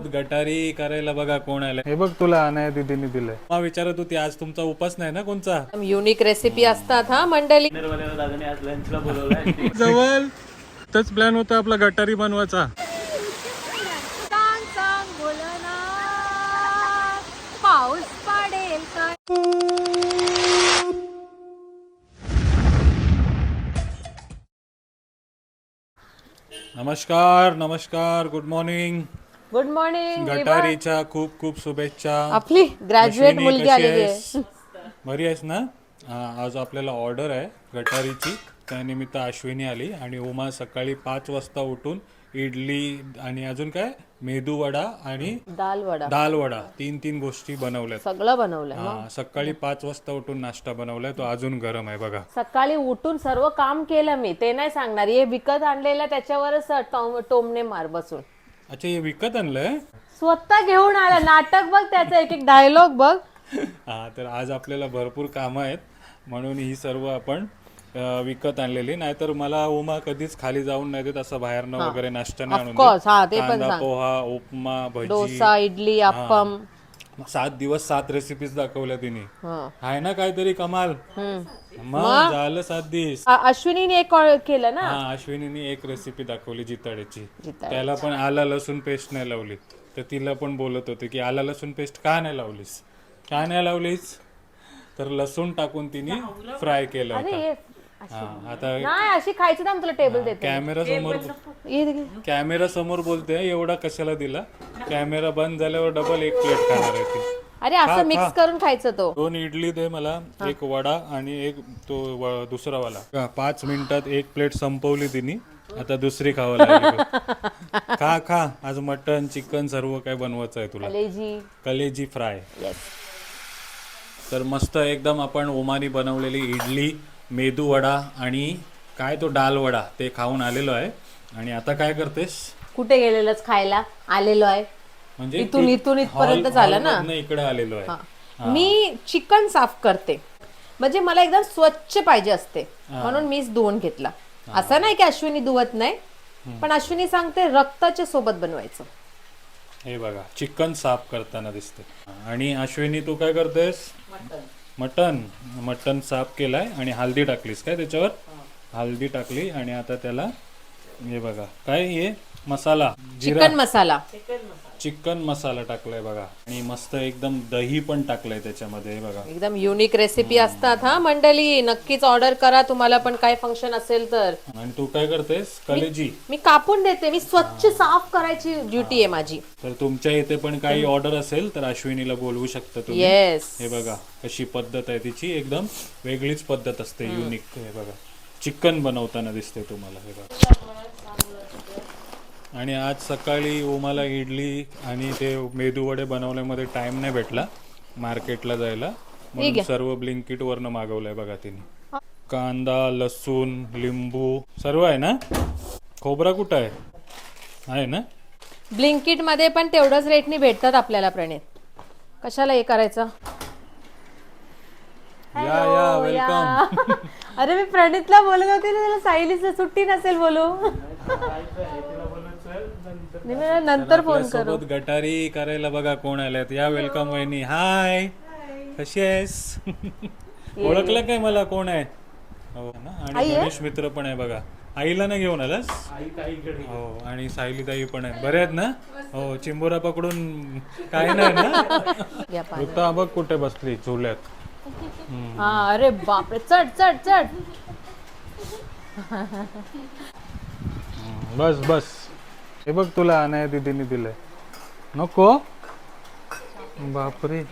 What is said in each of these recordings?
गटारी करायला बघा कोण आलं. हे बघ तुला अनाया दीदीने दिलंय. मला विचारत होती आज तुमचा उपास नाही ना कोणचा. युनिक रेसिपी असतात हा मंडळी. जवळ तोच प्लॅन होता आपला गटारी बनवायचा. पाऊस पडेल का? नमस्कार नमस्कार, गुड मॉर्निंग. Good morning. गटारीच्या खूप खूप शुभेच्छा. आपली ग्रॅज्युएट अश्विनी, मुलगी कशी आलेली आहेस? आहे. बरी आहेस ना? आज आपल्याला ऑर्डर आहे गटारीची, त्यानिमित्त अश्विनी आली आणि उमा सकाळी 5 वाजता उठून इडली आणि अजून काय मेदू वडा आणि दाल वडा तीन गोष्टी बनवल्यात. सगळं बनवलंय. हा, सकाळी 5 वाजता उठून नाश्ता बनवलाय, तो अजून गरम आहे बघा. सकाळी उठून सर्व काम केलं मी, ते नाही सांगणार. हे विकत आणलेलं त्याच्यावरच टोमने मार बसून. अच्छा, हे विकत आणलंय? स्वतः घेऊन आला. नाटक बघ त्याचा, एक एक डायलॉग बघ. हा, तर आज आपल्याला भरपूर कामं आहेत म्हणून ही सर्व आपण विकत आणलेली. नाहीतर मला उमा कधीच खाली जाऊन नाही देत असं बाहेरनं वगैरे नाश्ता नाही आणून ऑफकोर्स. हा, ते पण कांदा सांग. पोहा, उपमा, भजी, डोसा, इडली, अप्पम. 7 दिवस 7 रेसिपीज दाखवल्या तिने. हा. आहे ना काहीतरी कमाल. मग झालं 7 दिवस. अश्विनीने एक केलं ना. हा, अश्विनीने एक रेसिपी दाखवली जिताड्याची. त्याला पण आला लसूण पेस्ट नाही लावली. तर तिला पण बोलत होते की आला लसूण पेस्ट का नाही लावलीस, का नाही लावलीस. तर लसूण टाकून तिने फ्राय केलं होतं. हा, आता नाही अशी खायची ना, तुला टेबल देते. कॅमेरा समोर बोलते एवढा कशाला दिला. कॅमेरा बंद झाल्यावर डबल एक प्लेट खाणार आहे ती. अरे असं मिक्स करून खायचं. तो 2 इडली दे मला, एक वडा आणि एक तो दुसरा वाला. 5 मिनिटात एक प्लेट संपवली तिने. आता दुसरी खावं लागली. खा खा, आज मटन चिकन सर्व काय बनवायचं आहे तुला. कलेजी फ्राय. तर मस्त एकदम आपण ओमानी बनवलेली इडली, मेदू वडा आणि काय तो डाल वडा ते खाऊन आलेलो आहे. आणि आता काय करतेस? कुठे गेलेलंच खायला आलेलो आहे. म्हणजे इथून इथपर्यंत झालं ना. इकडे आलेलो आहे. मी चिकन साफ करते, म्हणजे मला एकदम स्वच्छ पाहिजे असते म्हणून मीच धुवून घेतला. असं नाही की अश्विनी धुवत नाही, पण अश्विनी सांगते रक्ताच्या सोबत बनवायचं. हे बघा, चिकन साफ करताना दिसते. आणि अश्विनी तू काय करतेस? मटन साफ केलाय आणि हळदी टाकलीस काय त्याच्यावर? हळदी टाकली आणि आता त्याला हे बघा काय हे मसाला, चिकन मसाला टाकलाय बघा. आणि मस्त एकदम दही पण टाकलंय त्याच्यामध्ये. बघा एकदम युनिक रेसिपी असतात हा मंडळी. नक्कीच ऑर्डर करा, तुम्हाला पण काय फंक्शन असेल तर. आणि तू काय करतेस? कलेजी मी कापून देते. मी स्वच्छ साफ करायची ड्युटी आहे माझी. तर तुमच्या इथे पण काही ऑर्डर असेल तर अश्विनीला बोलवू शकता तुम्ही. येस. हे बघा कशी पद्धत आहे तिची, एकदम वेगळीच पद्धत असते, युनिक. हे बघा चिकन बनवताना दिसते तुम्हाला. हे बघा. आणि आज सकाळी ओमाला इडली आणि ते मेदू वडे बनवण्यामध्ये टाइम नाही भेटला मार्केटला जायला, म्हणून सर्व ब्लिंकिट वरनं मागवलंय बघा तिने. कांदा, लसूण, लिंबू सर्व आहे ना. खोबरा कुठं आहे ना? ब्लिंकिट मध्ये पण तेवढंच रेटनी भेटतात आपल्याला. प्रणित कशाला हे करायचं. या वेलकम. अरे मी प्रणितला बोलत होते ना, त्याला सायलीचं सुट्टी नसेल बोलू. नंतर फोन करू. सोबत गटारी करायला बघा कोण आल्यात. या वेलकम वहिनी. हाय, कशी आहेस? ओळखलं काय मला कोण आहे? हो ना. आणि गणेश मित्र पण आहे बघा. आईला नाही घेऊन आलास? हो, आणि सायली ताई पण आहे. बरे आहेत ना? हो, चिंबोरा पकडून काय नाही ना. ऋता बघ कुठे बसली झुल्यात. हा, अरे बापरे, चढ चढ चढ. बस बस. हे बघ तुला अनाया दीदीने दिलंय. नको बापरे.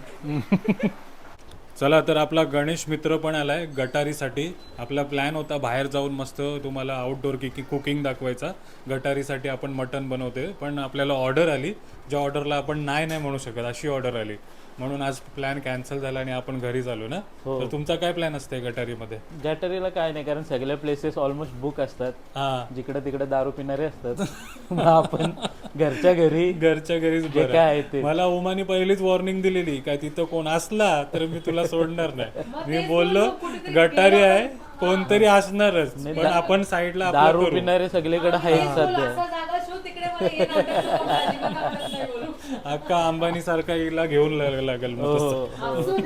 चला, तर आपला गणेश मित्र पण आलाय गटारीसाठी. आपला प्लॅन होता बाहेर जाऊन मस्त तुम्हाला आउटडोर कुकिंग दाखवायचा. गटारीसाठी आपण मटण बनवते, पण आपल्याला ऑर्डर आली, ज्या ऑर्डरला आपण नाही म्हणू शकत अशी ऑर्डर आली, म्हणून आज प्लॅन कॅन्सल झाला आणि आपण घरी झालो ना. तर तुमचा काय प्लॅन असते गटारीमध्ये? गटारीला काय नाही, कारण सगळे प्लेसेस ऑलमोस्ट बुक असतात. जिकडे तिकडे दारू पिणारे असतात. आपण घरच्या घरीच बरं. काय ते मला उमानी पहिलीच वॉर्निंग दिलेली, काय तिथं कोण असला तर मी तुला सोडणार नाही. मी बोललो गटारी आहे, कोणतरी असणारच, पण आपण साईडला दारू पिणारे सगळीकडे आहेत सध्या. अक्का अंबानी सारखा हिला घेऊन लागेल मग तसं.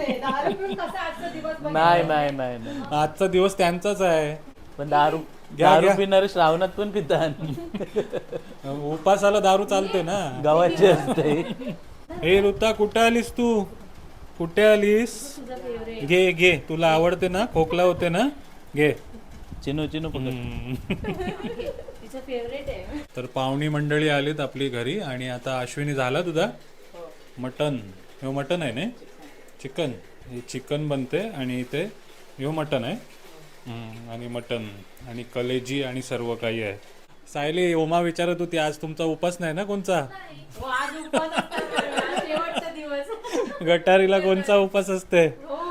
नाही नाही नाही नाही आजचा दिवस त्यांचाच आहे. पण दारू घ्या, दारू घ्या. पिणारे श्रावणात पण पितात. उपासाला दारू चालते ना. गावाची असते. हे ऋता कुठे आलीस तू? कुठे आलीस? घे घे, तुला आवडते ना, खोकला होते ना, घे. चिनू चिनू पकड. तर पाहुणी मंडळी आलीत आपली घरी आणि आता अश्विनी झाला तुझा मटन. हे मटन आहे ना, चिकन. हे चिकन बनते आणि इथे हे मटन आहे. आणि मटन आणि कलेजी आणि सर्व काही आहे. सायली, ओमा विचारत होती आज तुमचा उपास नाही ना कोणचा? गटारीला कोणचा उपास असते?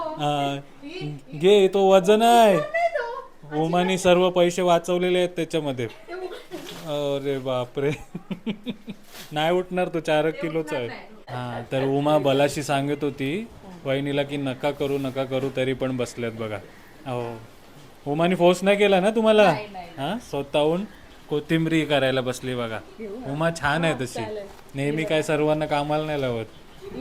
घे, तो वजन आहे. ओमानी सर्व पैसे वाचवलेले आहेत त्याच्यामध्ये. अरे बापरे. नाही उठणार तो, 4 किलोचा आहे. हा, तर उमा बलाशी सांगत होती वहिनीला की नका करू नका करू, तरी पण बसल्यात बघा. हो, उमानी फोर्स नाही केला ना तुम्हाला? हा, स्वतःहून कोथिंबरी करायला बसली बघा. उमा छान आहे तशी, नेहमी काय सर्वांना कामाला नाही लावत.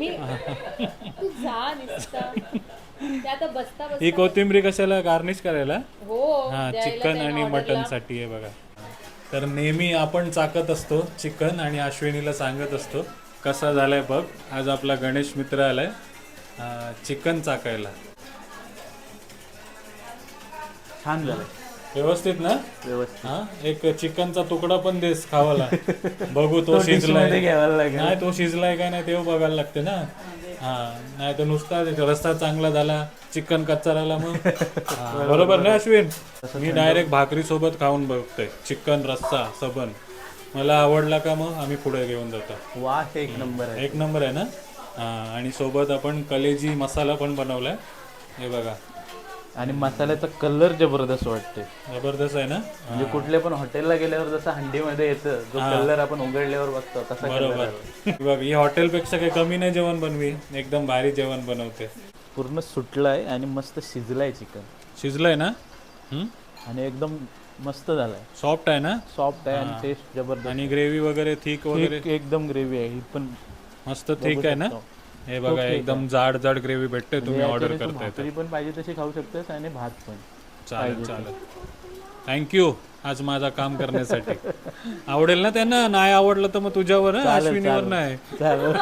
ही कोथिंबरी कशाला? गार्निश करायला. हा, चिकन आणि मटन साठी आहे बघा. तर नेहमी आपण चाकत असतो चिकन आणि अश्विनीला सांगत असतो कसा झालाय बघ. आज आपला गणेश मित्र आलाय चिकन चाकायला. छान झालं, व्यवस्थित ना? व्यवस्थित. हा, एक चिकनचा तुकडा पण देस खावाला. बघू तो मध्ये शिजलाय घ्यायला लागेल. नाही, तो शिजलाय का नाही ते बघायला लागते ना. हा, नाही तर नुसता रस्ता चांगला झाला, चिकन कच्चा राहिला मग. हा, बरोबर ना अश्विन? मी डायरेक्ट भाकरी सोबत खाऊन बघतोय चिकन रस्सा सबन. मला आवडला का मग आम्ही पुढे घेऊन जातो. वा, एक नंबर आहे. एक नंबर आहे ना. हा, आणि सोबत आपण कलेजी मसाला पण बनवलाय हे बघा. आणि मसाल्याचा कलर जबरदस्त वाटते. जबरदस्त आहे ना. म्हणजे कुठल्या पण हॉटेलला गेल्यावर जसं हंडीमध्ये येतं जो कलर आपण उघडल्यावर बघतो तसा कलर बरोबर. बघ, ही हॉटेलपेक्षा काही कमी नाही जेवण बनवी, एकदम भारी जेवण बनवते. पूर्ण सुटलाय आणि मस्त शिजलाय चिकन. शिजलंय ना. आणि एकदम मस्त झालाय, सॉफ्ट आहे ना, सॉफ्ट आहे आणि टेस्ट जबरदस्त. आणि ग्रेव्ही वगैरे थिक वगैरे एकदम ग्रेव्ही आहे ही पण मस्त थिक आहे ना. हे बघा, एकदम जाड जाड ग्रेव्ही भेटते. तुम्ही ऑर्डर करताय तर भाकरी पण पाहिजे तशी खाऊ शकतेस आणि भात पण. चालेल चालेल. थँक्यू आज माझा काम करण्यासाठी. आवडेल ना त्यांना? नाही आवडलं तर मग तुझ्यावर हं, अश्विनीवर नाही. चालेल.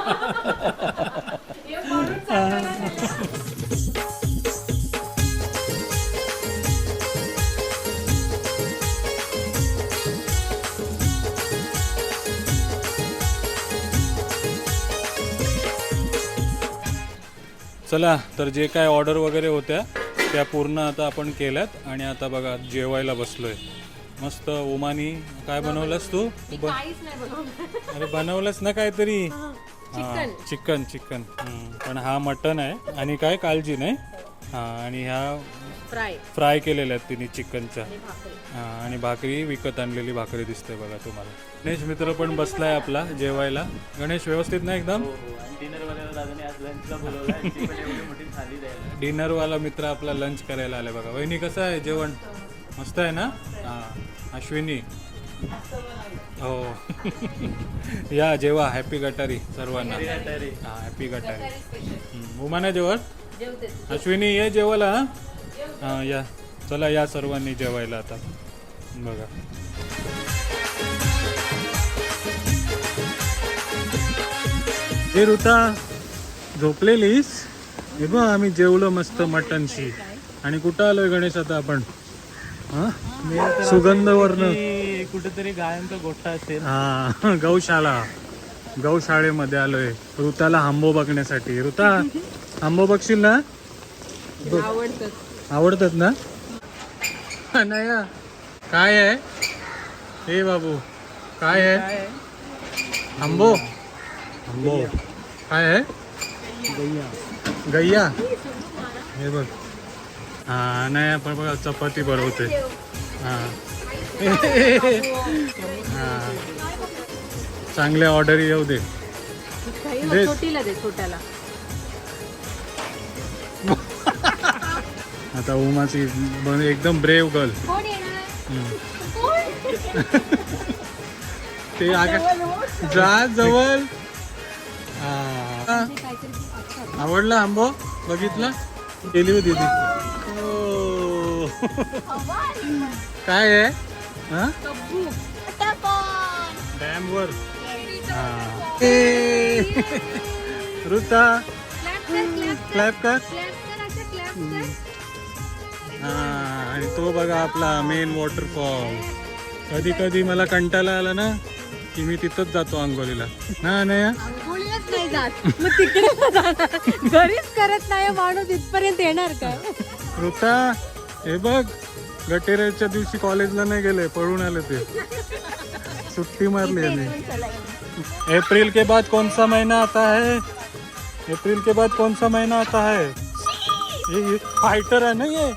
चला, तर जे काय ऑर्डर वगैरे होत्या त्या पूर्ण आता आपण केल्यात आणि आता बघा जेवायला बसलोय. मस्त. ओमानी काय बनवलंस तू? अरे बनवलंस ना काहीतरी. Chicken chicken. पण हा मटन आहे आणि काय काळजी नाही. हा, आणि ह्या फ्राय केलेल्या आहेत तिने चिकनच्या. आणि भाकरी विकत आणलेली भाकरी दिसते बघा तुम्हाला. गणेश मित्र पण बसलाय आपला जेवायला. गणेश व्यवस्थित ना एकदम? डिनरवाला मित्र आपला लंच करायला आलाय बघा. वहिनी कसं आहे जेवण? मस्त आहे ना. हा, अश्विनी हो. या जेवा. हॅपी गटारी सर्वांना. हा, हॅपी गटारी. उमाना जेवण. अश्विनी ये जेवायला. हा, या. चला या सर्वांनी जेवायला आता बघा. हे ऋता झोपलेलीस? हे बघ आम्ही जेवलो मस्त मटनशी. आणि कुठं आलोय गणेश आता आपण? सुगंधवर्ण कुठेतरी गायांचा गोठा असेल. हा, गौशाळेमध्ये आलोय ऋताला आंबो बघण्यासाठी. ऋता आंबो बघशील ना? आवडतात ना? नाही काय आहे हे बाबू? काय आहे? आंबो आंबो काय आहे? गैया. हे बघ. हा, नाही आपण बघा चपाती बनवते. हा. हा, चांगल्या ऑर्डर येऊ दे. आता उमाची एकदम ब्रेव गर्ल. ते जा जवळ. आवडला आंबो? बघितला? केली होती ती. ओ. काय आहे? हा? डॅम वर. ऋता क्लॅप कर. हा, आणि तो बघा आपला मेन वॉटरफॉल. कधी कधी मला कंटाळा आला ना की मी तिथंच जातो आंघोळीला. ना नाही आंघोळीलाच नाही जात, मग तिकडे का जाणार? घरीच करत नाही माणूस, इथपर्यंत येणार काय? ऋता हे बघ, गटेराच्या दिवशी कॉलेजला नाही गेले, पळून आले ते. छुट्टी मारली याने. अप्रैल के बाद कौन सा महीना आता है? अप्रैल के बाद कौन सा महीना आता है? ये फाइटर है ना ये.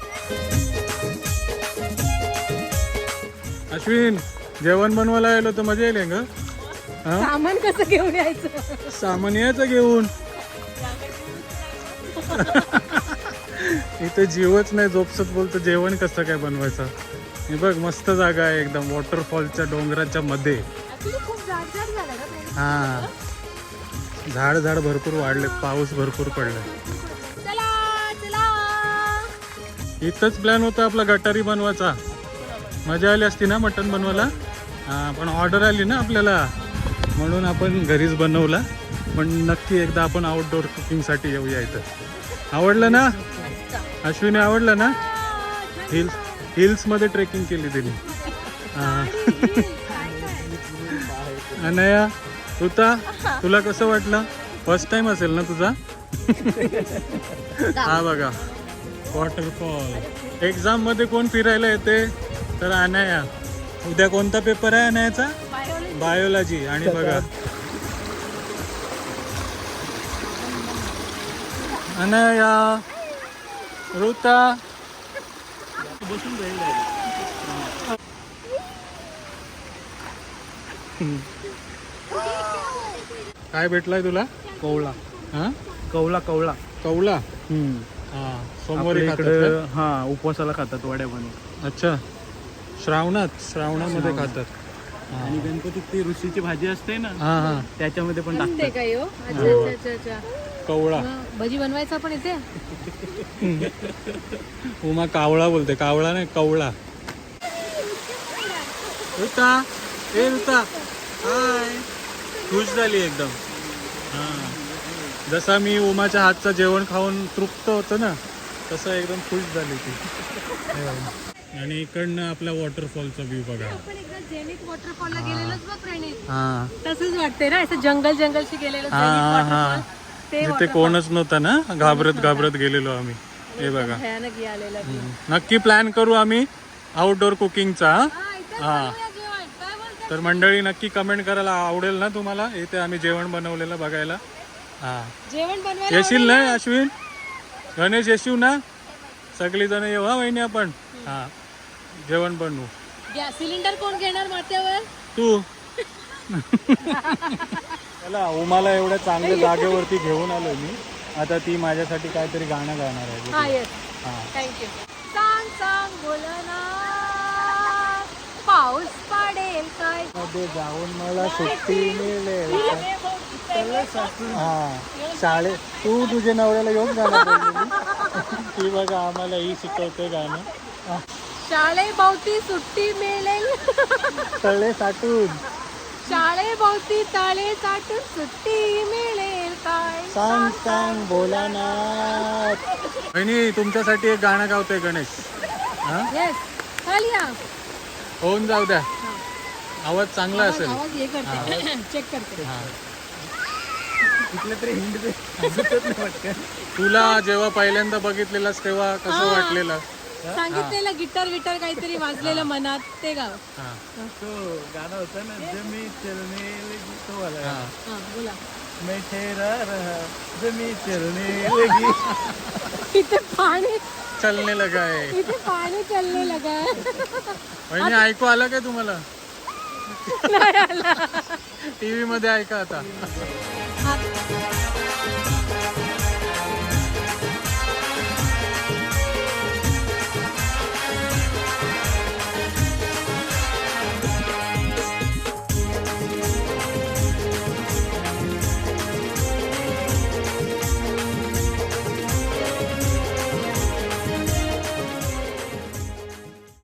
अश्विन, जेवण बनवायला आलो तर मजा येईल ग. सामान कसं घेऊन यायचं? सामान यायचं घेऊन. इथे जीवच नाही, झोपसत बोलतो जेवण कसं काय बनवायचं. हे बघ मस्त जागा आहे एकदम, वॉटरफॉलच्या डोंगराच्या मध्ये. हा, झाड भरपूर वाढले, पाऊस भरपूर पडलाय. इथंच प्लॅन होता आपला गटारी बनवायचा. मजा आली असती ना मटण बनवायला. हा, पण ऑर्डर आली ना आपल्याला, म्हणून आपण घरीच बनवला. पण नक्की एकदा आपण आउटडोर कुकिंगसाठी येऊया इथं. आवडलं ना अश्विनी? आवडलं ना? हिल्स मध्ये ट्रेकिंग केली त्यांनी. अनया, ऋता, तुला कसं वाटलं? फर्स्ट टाइम असेल ना तुझा? हा बघा वॉटरफॉल. एक्झाम मध्ये कोण फिरायला येते तर अनया. उद्या कोणता पेपर आहे अनयाचा? बायोलॉजी. आणि बघा अनया, ऋता. काय भेटलाय तुला? कवळा. हा, कवळा. कवला. हा, सोमवारी आपल्या खातात इकडं का? हा, उपवासाला खातात वड्या बनवून. अच्छा, श्रावणामध्ये खातात. आणि गणपतीत ती ऋषीची भाजी असते ना, हा हा, त्याच्यामध्ये पण टाकतात. काय हो? अच्छा अच्छा. कवळा. भजी बनवायचा पण इथे. उमा कावळा बोलते, कावळा नाही कवळा. ऋता, ए ऋता, हाय. खुश झाली एकदम. हा, जसा मी उमाच्या हातचं जेवण खाऊन तृप्त होतं ना, तसं एकदम खुश झाली ती. आणि इकडनं आपला वॉटरफॉलचा व्ह्यू बघा. आपण एकदा जेनिक वॉटरफॉलला गेलेलोच बघ प्रणित. हा तसंच वाटते ना, असं जंगलशी गेलेलो हा जेनिक हा, वॉटरफॉल. ते जिथे कोणच नव्हतं ना, घाबरत गेलेलो आम्ही. हे बघा, भयानक हे आलेलं. नक्की प्लॅन करू आम्ही आउटडोर कुकिंगचा. हा, तर मंडळी नक्की कमेंट करायला आवडेल ना तुम्हाला इथे आम्ही जेवण बनवलेलं बघायला. हा, जेवण बनवायला येशील ना अश्विन? गणेश येशील ना? सगळी जण येऊ हा वहिनी आपण. हा, जेवण बनवू. गॅस सिलेंडर कोण घेणार माथ्यावर? तू. चला, उमाला एवढ्या चांगल्या जागेवरती घेऊन आलोय मी. आता ती माझ्यासाठी काहीतरी गाणं गाणार आहे. हा, येस. हा, थँक्यू. सांग बोलना, पाऊस पडेल काय? मध्ये जाऊन मला सुट्टी मिळेल. हा, शाळेत तू तुझ्या नवऱ्याला येऊन गाणं बोललेली. ती बघा आम्हाला ही शिकवते गाणं. शाळेभोवती सुट्टी मिळेल. तळे साठून. शाळेभोवती तळे साठून सुट्टी मिळेल काय? सांग भोलानाथ. बहिणी, तुमच्यासाठी एक गाणं गावतोय गणेश. हा, येस, खाली या. होऊन जाऊ द्या, आवाज चांगला असेल. आवाज हे करते, चेक करते. हा. कुठलं तरी हिंड दे. तुला जेव्हा पहिल्यांदा बघितलेलास तेव्हा कसं वाटलेलं? सांगितलेलं गिटार काहीतरी वाजलेलं मनात, ते गाव. हा, तो गाणं होतं ना, जमी चलने लगी, तो वाला. हा. हा, बोला. मैं ठहरा रहा, जमी चलने लगी. इथे पाणी चलने लगा आहे. इथे पाणी चालले लगा. बहिणी, ऐकू आलं काय तुम्हाला? टीव्ही मध्ये ऐका आता.